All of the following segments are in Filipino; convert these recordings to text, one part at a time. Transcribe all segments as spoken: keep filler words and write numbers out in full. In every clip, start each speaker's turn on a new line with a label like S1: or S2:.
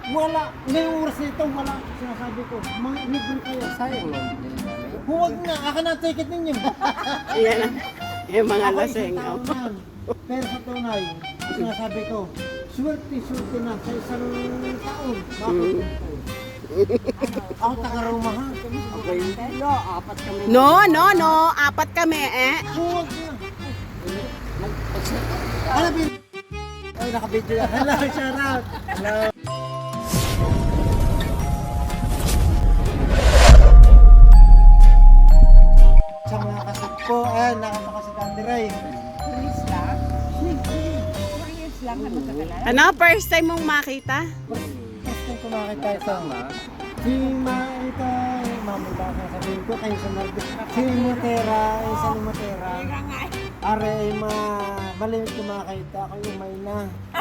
S1: Wala. Ngayong oras nito, wala. Sinasabi ko, mga libre kayo.
S2: Sayang lang.
S1: Huwag na, akin na ang ticket ninyo.
S3: Yan ang yung mga
S1: Ako
S3: lasing.
S1: isang taon yan. Pero sa tunay, sinasabi ko, swerte-swerte na sa isang taon. Bakit? Ako taga-Roma ha.
S2: Ako yung telo, apat kami.
S3: No, no, no. Apat kami eh.
S1: Huwag na. Alam mo, ay nakabidyo na. Hello, shout out. Hello. Sa mga kasap ko, ayan, nakapaka sa Daddy Ray.
S4: Chris lang? Chris lang na magkakalala.
S3: Ano, first time mong makita?
S1: First time ko makita ito. Si Ma, ito, mami ba ang sabihin ko, kayo sa Marbe. Si Motera, isa ni Motera.
S4: Kaya nga eh.
S1: Are, ay ma, malimit ko makita, ako umay na.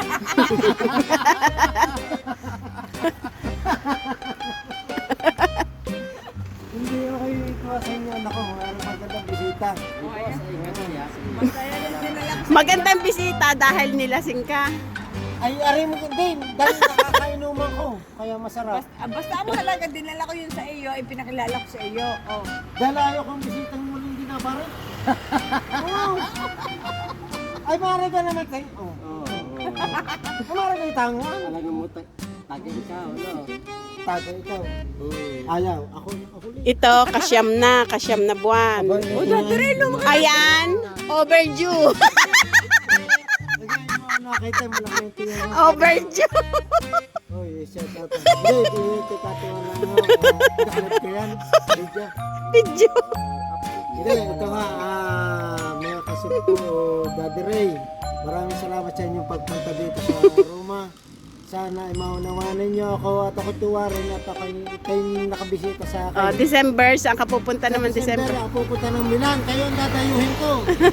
S1: Hindi ako ikuha sa inyo, anak ko, mayroong magandang bisita.
S4: Masaya lang din na lang.
S3: Magandang bisita dahil nilasing ka.
S1: Ay, aray mo din, dahil nakakainuman ko, kaya masarap.
S4: Basta, ah, basta ang mahalaga, dinala ko yun sa iyo, ay pinakilala ko sa iyo. Oh.
S1: Dahil ayaw kong bisitang muling dinabari. Oo. Ay, maaari ka naman tayo. Oo.
S2: Oo.
S1: Maaari kayo tanguan.
S2: Talagang mo tag- tagay ka, ano?
S1: Taga ikaw.
S2: Hmm.
S1: Ayaw, ako, ako ulit.
S3: Ito, kasyam na, kasyam na buwan.
S1: O, dati
S3: Ayan, overdue.
S1: Lagyan mo ano, nakita mo lang yung tingin.
S3: Overdue.
S1: Oy, shout out. Hindi, hindi, katiwan lang ako. Nakalap ko yan. Video.
S3: Video.
S1: Hindi, ito nga, ah, mga kasip ko, Daddy Ray. Maraming salamat sa inyong pagpunta dito sa Roma. Sana ay maunawanan niyo ako at ako tuwarin at ako kayo nakabisita sa akin.
S3: Oh, December, saan ka pupunta naman December?
S1: Ako pupunta ng Milan, kayo ang dadayuhin ko.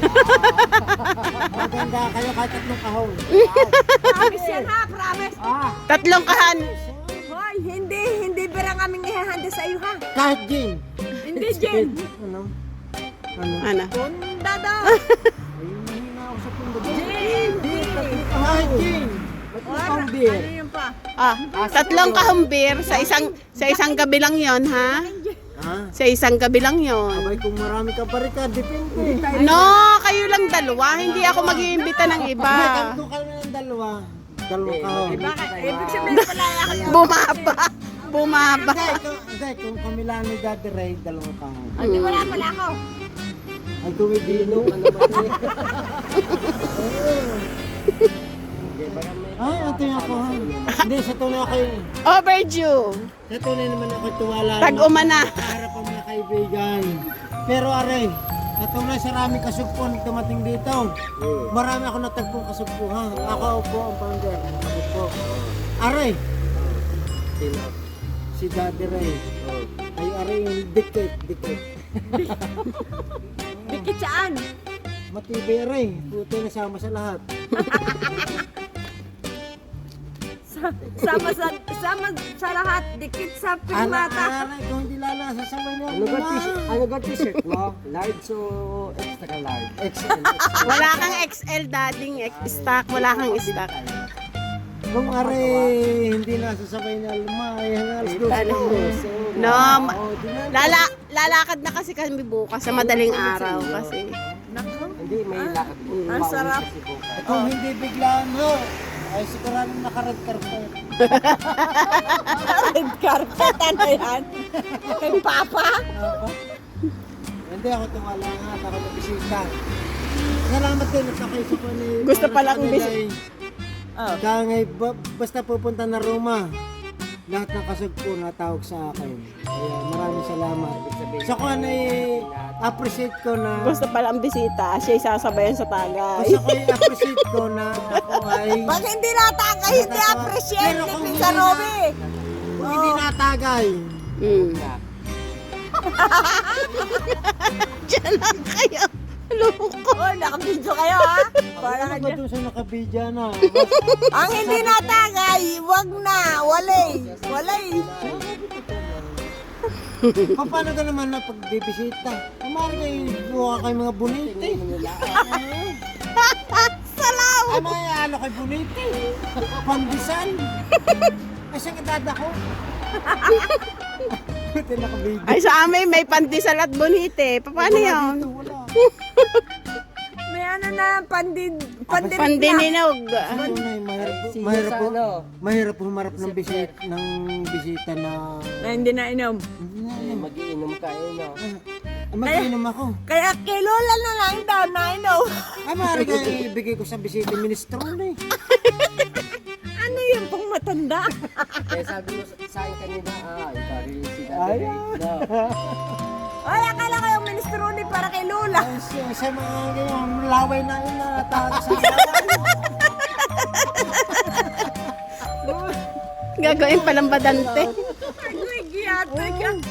S1: Maganda kayo kahit tatlong kahon.
S4: Promise yan ha, promise.
S1: Ah,
S3: Tatlong kahan.
S4: Hoy, hindi, hindi berang aming ihahanda sa iyo ha.
S1: kahit gin.
S4: Hindi, Jen.
S1: Ano? Ano?
S3: Ano?
S4: Punda daw.
S1: Ay, mahina ako sa pundo.
S4: Jen, hindi.
S1: Kahit gin.
S4: Ano
S1: beer.
S4: yun pa?
S3: Ah, tatlong kahumbir sa isang sa isang gabi lang 'yon, ha?
S1: Ha?
S3: Sa isang gabi lang 'yon.
S1: Abay, kung marami ka pa rin ka, depende.
S3: No, kayo lang dalawa, hindi ako mag-iimbita ng iba.
S1: Abay, tatlo kami ng dalawa. Dalawang kahon.
S4: Bakit? Ibig sabihin pala ako yun.
S3: Bumaba. Bumaba.
S1: Hindi, kung, hindi, kung kami lang ni Daddy Ray, dalawang kahon.
S4: Hindi wala pala ako.
S1: Ay, kumibino ka naman eh. Ay, ito yung ako ha. Hindi, sa tunay ako yung...
S3: Overdue.
S1: Sa tunay naman ako tuwala.
S3: Tag-umana.
S1: Harap ang mga kaibigan. Pero aray, sa tunay sa raming kasugpon dumating dito. Marami ako natagpong kasugpo ha. Ako po ang founder ng kasugpo. Aray,
S2: Sino?
S1: si Daddy Ray. Ay, aray yung dikit, dikit.
S4: Dikit saan?
S1: Matibay aray. Puti na sama sa lahat.
S4: Sama sa, sama sa lahat. Dikit sa
S1: Ana,
S4: primata.
S1: aray, kung hindi lalasa sa niya.
S2: Ano ba t-shirt? Ano ba t-shirt mo? Large o extra large?
S1: X L.
S3: Wala kang X L dading X stock, wala kang stock.
S1: Kung aray, hindi nasasabay na lumay. Hanggang alas dos
S3: Ano? No, ma- lala lalakad na kasi kami bukas sa madaling araw kasi.
S2: Hindi, may lakad.
S4: Ang sarap.
S2: Kasi bukas.
S1: Kung hindi biglaan mo, ay siguradong naka-red carpet.
S4: Red carpet, ano yan? Kay Papa?
S1: Ako? Hindi ako tumala nga at ako nabisita. Salamat din at ako isa pa ni...
S3: Gusto palang
S1: bis...
S3: bis-
S4: Oh.
S1: Kaya ngay, ba- basta pupunta na Roma, lahat ng kasugpo natawag sa akin. Kaya maraming salamat. Sa ko na appreciate ko na...
S3: Gusto pala ang bisita, siya isasabayan sa tagay.
S1: Gusto ko i-appreciate ko na ako ay...
S4: Pag hindi nataka, hindi appreciate
S1: Pero
S4: ni
S1: kung
S4: Pizza
S1: hindi
S4: Roby.
S1: Kung hindi natagay,
S3: Mm. Diyan lang kayo. Loko.
S4: Oh, nakabidyo kayo ha? Para
S1: ano ba
S4: kanya.
S1: doon sa nakabidya na?
S4: Ang hindi natagay, wag na, walay. Walay.
S1: Paano ka naman na pagbibisita? Kumari kayo, buha kayo mga buniti.
S3: Salaw.
S1: Ay, may ano kay buniti. Pandisan. Ay, saan edad ako? Buti nakabigay.
S3: Ay, sa amin may pandesal at bonite. Paano yun?
S1: Dito, wala.
S4: May ano na, pandin, pandin,
S3: Pandininog.
S1: Ano na, mahirap,
S2: Sino
S1: mahirap,
S2: sa
S1: po,
S2: ano?
S1: mahirap humarap ng bisita, ng bisita na...
S4: na hindi na inom.
S1: Hindi na,
S2: Eh, Mag-iinom kayo, no?
S1: Ah, mag-inom ako.
S4: Kaya kay Lola na lang daw na inom.
S1: Ay, maaari ka ibigay ko sa bisita ministro na eh.
S4: Ano yung pang matanda?
S2: Kaya sabi mo sa sa akin kanina, ah, ikaw rin si
S1: Ay,
S2: Daddy Ray, no?
S4: Ay, akala ko yung minestrone para kay Lola.
S1: Ay, sa, sa mga ganyan, laway na yun na tawag sa
S3: Gagawin palang badante.
S4: Ay, giyate ka.